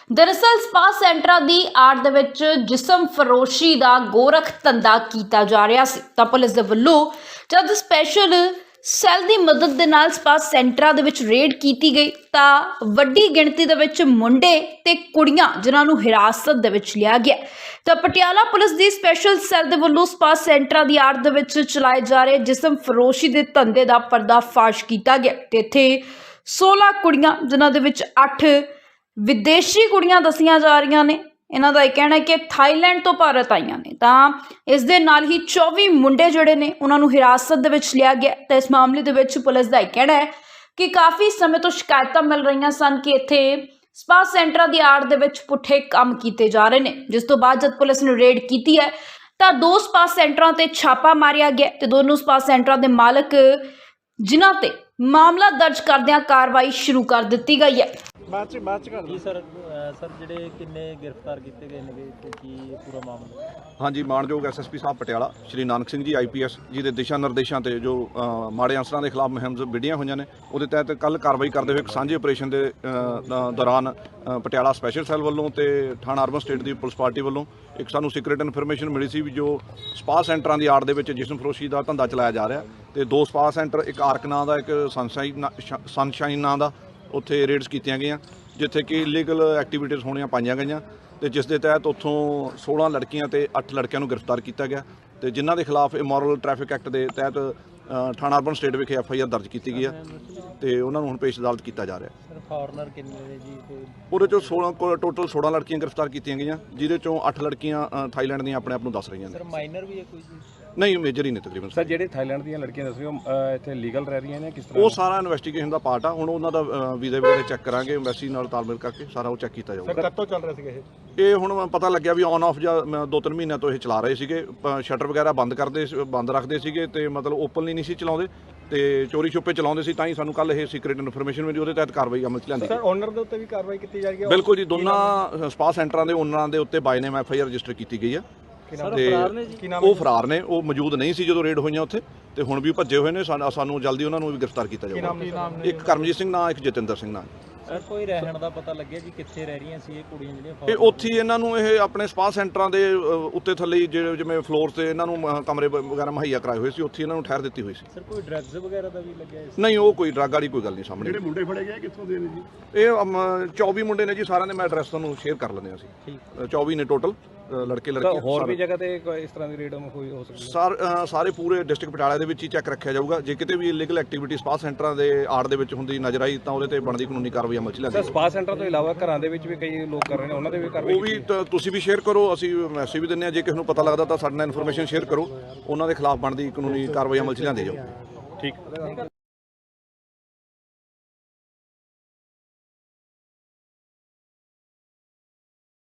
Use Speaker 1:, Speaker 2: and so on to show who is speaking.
Speaker 1: दरअसल स्पा सेंटरां दी आड़ दे विच जिसम फरोशी दा गोरख धंधा कीता जा रहा सी तां पुलिस दे वल्लों जद स्पैशल सैल दी मदद दे नाल स्पा सेंटरां दे विच रेड कीती गई तां वड्डी गिणती दे विच मुंडे ते कुड़ियां जिन्हां नूं हिरासत दे विच लिया गया तां पटियाला पुलिस दी स्पैशल सैल दे वल्लों स्पा सेंटरां दी आड़ दे विच चलाए जा रहे जिसम फरोशी दे धंधे दा पर्दाफाश कीता गया ते इत्थे 16 कुड़ियां जिन्हां दे विच 8 विदेशी कुड़ियां दसियां जा रही ने। इन्हां दा कहना है कि थाईलैंड तो भारत आईयां ने तां इस दे नाल ही 24 मुंडे जिहड़े ने उन्हां नूं हिरासत दे विच लिया गया ते इस मामले दे विच पुलिस दा कहना है कि काफ़ी समय तो शिकायतां मिल रही सन कि इत्थे स्पा सेंटरां दी आड़ दे विच पुट्ठे काम कीते जा रहे ने जिस तो बाद जद पुलिस ने रेड कीती है तां 2 स्पा सेंटरां ते छापा मारिया गया ते दोनों स्पा सेंटरां दे मालक जिन्हां ते मामला दर्ज करदिआं कार्रवाई शुरू कर दित्ती गई है।
Speaker 2: ਬਾਅਦ ਚ ਕਰ
Speaker 3: ਜੀ ਸਰ ਜਿਹੜੇ ਕਿੰਨੇ ਗ੍ਰਿਫਤਾਰ ਕੀਤੇ ਗਏ ਨੇ ਤੇ ਕੀ ਪੂਰਾ ਮਾਮਲਾ?
Speaker 2: हाँ जी, मानयोग SSP साहब पटियाला श्री नानक सिंह जी IPS जी के दिशा निर्देशों से जो माड़े अंसरां के खिलाफ मुहिम विढ़ियां हुई ने उहदे तहत कल कार्रवाई करते हुए एक सांझे ऑपरेशन के दौरान पटियाला स्पैशल सैल वालों तो थाना अर्बन स्टेट की पुलिस पार्टी वालों एक सानू सीक्रेट इन्फॉर्मेशन मिली सी भी जो स्पा सेंटरां की आड़ दे विच जिसम फरोशी का धंधा चलाया जा रहा तो 2 स्पा सेंटर एक आर्क नां दा एक सनशाइन नां दा उत्थे रेड्स कीतियां गईयां जिथे कि इलीगल एक्टिविटीज़ होनियां पाईयां गईयां तो जिस दे तहत उत्थों 16 लड़कियां ते 8 लड़कियां नूं गिरफ्तार किया गया तो जिन्हां दे खिलाफ इमोरल ट्रैफिक एक्ट के तहत थाना अर्बन स्टेट विखे FIR दर्ज की गई है तो उन्होंने हुण पेश अदालत किया जा रहा है।
Speaker 3: फॉरनर किन्ने ने जी?
Speaker 2: ਉਹਦੇ ਚੋਂ 16 टोटल 16 लड़कियां गिरफ्तार की गई जिहदे चों 8 लड़कियां थाईलैंड ਦੀਆਂ ਆਪਣੇ ਆਪ ਨੂੰ ਦੱਸ ਰਹੀਆਂ ਨੇ।
Speaker 3: ਸਰ ਮਾਈਨਰ ਵੀ ਹੈ ਕੋਈ ਜੀ?
Speaker 2: ਨਹੀਂ ਮੇਜਰ ਹੀ ਨੇ ਤਕਰੀਬਨ
Speaker 4: ਸਰ। ਜਿਹੜੇ ਥਾਈਲੈਂਡ ਦੀਆਂ ਲੜਕੀਆਂ ਦੱਸ ਰਹੇ ਹੋ ਇੱਥੇ ਲੀਗਲ ਰਹਿ ਰਹੀਆਂ ਨੇ ਕਿਸ ਤਰ੍ਹਾਂ?
Speaker 2: ਉਹ ਸਾਰਾ ਇਨਵੈਸਟੀਗੇਸ਼ਨ ਦਾ ਪਾਰਟ ਆ। ਹੁਣ ਉਹਨਾਂ ਦਾ ਵੀਜ਼ੇ ਵਗੈਰਾ ਚੈੱਕ ਕਰਾਂਗੇ ਐਮਬੈਸੀ ਨਾਲ ਤਾਲਮੇਲ ਕਰਕੇ ਸਾਰਾ ਉਹ ਚੈੱਕ ਕੀਤਾ ਜਾਊਗਾ।
Speaker 4: ਸਰ ਕਦ ਤੋਂ ਚੱਲ ਰਹੇ ਸੀਗੇ
Speaker 2: ਇਹ ਹੁਣ ਪਤਾ ਲੱਗਿਆ ਵੀ ਔਨ ਆਫ ਜਾਂ 2-3 ਮਹੀਨਿਆਂ ਤੋਂ ਇਹ ਚਲਾ ਰਹੇ ਸੀਗੇ। ਸ਼ਟਰ ਵਗੈਰਾ ਬੰਦ ਰੱਖਦੇ ਸੀਗੇ ਤੇ ਮਤਲਬ ਓਪਨਲੀ ਨਹੀਂ ਸੀ ਚਲਾਉਂਦੇ ਤੇ ਚੋਰੀ ਛੁਪੇ ਚਲਾਉਂਦੇ ਸੀ ਤਾਂ ਹੀ ਸਾਨੂੰ ਕੱਲ ਇਹ ਸੀਕ੍ਰੀਟ ਇਨਫੋਰਮੇਸ਼ਨ ਮਿਲੀ ਉਹਦੇ ਤਹਿਤ ਕਾਰਵਾਈ ਅਮਲ 'ਚ ਲਿਆਂਦੀ।
Speaker 4: ਸਰ ਓਨਰ ਦੇ ਉੱਤੇ ਵੀ ਕਾਰਵਾਈ ਕੀਤੀ ਜਾ ਰਹੀ ਹੈ?
Speaker 2: ਬਿਲਕੁਲ ਜੀ, ਦੋਨਾਂ ਸਪਾ ਸੈਂਟਰਾਂ ਦੇ ਓਨਰਾਂ ਦੇ ਉੱਤੇ ਬਾਈ ਨੇਮ FIR ਰਜਿਸਟਰ ਕੀਤੀ ਗਈ ਹੈ ਤੇ ਉਹ ਫਰਾਰ ਨੇ। ਉਹ ਮੌਜੂਦ ਨਹੀਂ ਸੀ ਜਦੋਂ ਰੇਡ ਹੋਈਆਂ ਉੱਥੇ ਤੇ ਹੁਣ ਵੀ ਭੱਜੇ ਹੋਏ ਨੇ। ਸਾਨੂੰ ਜਲਦੀ ਉਹਨਾਂ ਨੂੰ ਵੀ ਗ੍ਰਿਫਤਾਰ ਕੀਤਾ ਜਾਊਗਾ। ਇੱਕ ਕਰਮਜੀਤ ਸਿੰਘ ਨਾਂ, ਇੱਕ ਜਤਿੰਦਰ ਸਿੰਘ ਨਾਂ।
Speaker 3: ਸਰ ਕੋਈ ਰਹਿਣ ਦਾ ਪਤਾ ਲੱਗਿਆ ਜੀ ਕਿੱਥੇ ਰਹਿ ਰਹੀਆਂ ਸੀ ਇਹ ਕੁੜੀਆਂ ਜਿਹੜੀਆਂ?
Speaker 2: ਇਹ ਉੱਥੇ ਇਹਨਾਂ ਨੂੰ ਇਹ ਆਪਣੇ ਸਪਾ ਸੈਂਟਰਾਂ ਦੇ ਉੱਤੇ ਥੱਲੇ ਜਿਵੇਂ ਫਲੋਰ ਤੇ ਇਹਨਾਂ ਨੂੰ ਕਮਰੇ ਵਗੈਰਾ ਮੁਹੱਈਆ ਕਰਾਏ ਹੋਏ ਸੀ, ਉੱਥੇ ਇਹਨਾਂ ਨੂੰ ਠਹਿਰ ਦਿੱਤੀ ਹੋਈ ਸੀ।
Speaker 3: ਸਰ ਕੋਈ ਡਰੱਗਸ ਵਗੈਰਾ ਦਾ ਵੀ ਲੱਗਿਆ ਇਸ?
Speaker 2: ਨਹੀਂ, ਉਹ ਕੋਈ ਡਰੱਗ ਵਾਲੀ ਕੋਈ ਗੱਲ ਨਹੀਂ ਸਾਹਮਣੇ।
Speaker 4: ਜਿਹੜੇ ਮੁੰਡੇ ਫੜੇ ਗਏ ਕਿੱਥੋਂ ਦੇ ਨੇ ਜੀ?
Speaker 2: ਇਹ 24 ਮੁੰਡੇ ਨੇ ਜੀ, ਸਾਰਿਆਂ ਦੇ ਮੈਂ ਐਡਰੈਸ ਤੁਹਾਨੂੰ ਸ਼ੇਅਰ ਕਰ ਲੈਂਦੇ ਹਾਂ ਅਸੀਂ। 24 ਨੇ ਟੋਟਲ ਲੜਕੇ ਲੜਕੀਆਂ।
Speaker 4: ਹੋਰ ਵੀ ਜਗ੍ਹਾ ਤੇ ਇਸ ਤਰ੍ਹਾਂ ਦੀ ਰੇਡ ਹੋਈ ਹੋ ਸਕਦੀ ਹੈ?
Speaker 2: ਸਾਰੇ ਪੂਰੇ ਡਿਸਟ੍ਰਿਕਟ ਪਟਿਆਲਾ ਦੇ ਵਿੱਚ ਹੀ ਚੈੱਕ ਰੱਖਿਆ ਜਾਊਗਾ। ਜੇ ਕਿਤੇ ਵੀ ਇਲੀਗਲ ਐਕਟੀਵਿਟੀ ਸਪਾ ਸੈਂਟਰਾਂ ਦੇ ਆੜ ਦੇ ਵਿੱਚ ਹੁੰਦੀ ਨਜ਼ਰ ਆਈ ਤਾਂ ਉਹਦੇ ਤੇ ਬਣਦੀ ਕਾਨੂੰਨੀ ਕਾਰਵਾਈ ਅਮਲ 'ਚ ਲਿਆਂਦੀ।
Speaker 4: ਸਪਾ ਸੈਂਟਰ ਤੋਂ ਇਲਾਵਾ ਘਰਾਂ ਦੇ ਵਿੱਚ ਵੀ ਕਈ ਲੋਕ ਕਰ ਰਹੇ ਨੇ, ਉਹਨਾਂ ਦੇ ਵੀ ਕਾਰਵਾਈ?
Speaker 2: ਉਹ ਵੀ ਤੁਸੀਂ ਵੀ ਸ਼ੇਅਰ ਕਰੋ, ਅਸੀਂ ਮੈਸੇਜ ਵੀ ਦਿੰਦੇ ਹਾਂ। ਜੇ ਕਿਸੇ ਨੂੰ ਪਤਾ ਲੱਗਦਾ ਤਾਂ ਸਾਡੇ ਨਾਲ ਇਨਫੋਰਮੇਸ਼ਨ ਸ਼ੇਅਰ ਕਰੋ, ਉਹਨਾਂ ਦੇ ਖਿਲਾਫ ਬਣਦੀ ਕਾਨੂੰਨੀ ਕਾਰਵਾਈ ਅਮਲ 'ਚ ਲਿਆਂਦੀ ਜਾਊ।
Speaker 4: ਠੀਕ।